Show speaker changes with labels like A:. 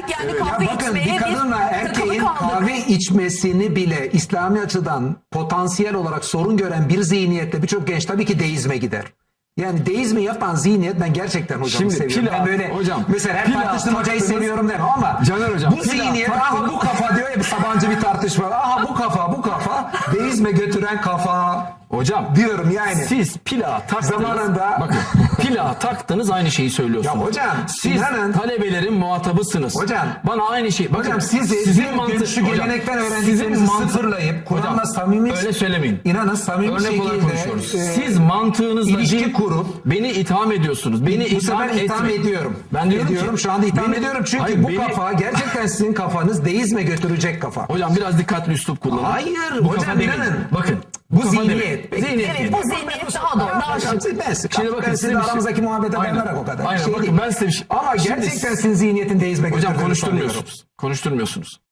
A: artık yani
B: Ya
A: kahve
B: bakın,
A: içmeye
B: bir kadınla
A: takılı
B: erkeğin
A: kaldık.
B: kahve içmesini bile İslami açıdan potansiyel olarak sorun gören bir zihniyette birçok genç tabii ki deizme gider. Yani deizmi yapan zihniyet, ben gerçekten hocamı
C: Şimdi
B: seviyorum.
C: pila-
B: Ben böyle
C: hocam,
B: mesela her
C: pila
B: tartıştığım hocayı
C: taktınız-
B: seviyorum demem ama
C: Caner hocam,
B: bu
C: pila
B: zihniyet, aha
C: taktınız-
B: bu kafa diyor ya, bir Sabancı bir tartışma. Aha bu kafa deizme götüren kafa
C: Hocam
B: diyorum yani.
C: siz plağa taktınız.
B: Zamanında-
C: Bakın plağa taktınız, aynı şeyi söylüyorsunuz.
B: Ya hocam,
C: siz
B: inanın-
C: talebelerin muhatabısınız.
B: Hocam,
C: bana aynı şey. Bakın,
B: Hocam siz
C: sizin
B: mantık, şu
C: hocam,
B: gelenekten
C: sizin
B: öğrendiklerinizi
C: mantık-
B: sıfırlayıp Kur'an'la
C: Hocam,
B: samimi,
C: öyle söylemeyin.
B: İnanın samimi
C: Örnek olarak
B: şekilde
C: konuşuyoruz. Siz mantığınızla
B: ilişki
C: değil,
B: kurup
C: beni itham ediyorsunuz. Beni
B: bu sefer itham
C: etmeyin.
B: ediyorum.
C: Ben diyorum
B: ediyorum,
C: ki,
B: şu anda itham
C: beni-
B: ediyorum çünkü
C: Hayır,
B: bu
C: beni-
B: kafa gerçekten sizin kafanız deizme götürecek kafa.
C: Hocam biraz dikkatli üslup kullanın.
B: Hayır,
C: Bu
B: hocam,
C: kafa demeyin.
B: inanın.
C: Bakın.
B: Bu
C: kafa
B: zihniyet.
C: demeyin.
B: Peki,
C: Zihniyet
A: Evet,
C: demeyin.
A: bu zihniyet daha doğru. Daha
B: Hocam, ben size,
C: Şimdi bakın,
B: ben
C: size
B: size
C: bir şey-
B: aramızdaki muhabbete
C: Aynen.
B: dayanarak o kadar.
C: Aynen,
B: Şey
C: bakın
B: değil.
C: ben size bir şey...
B: Ama
C: Şimdi
B: gerçekten sizin zihniyetin deizme
C: hocam
B: götürdüğünü sanıyorum.
C: konuşturmuyorsunuz.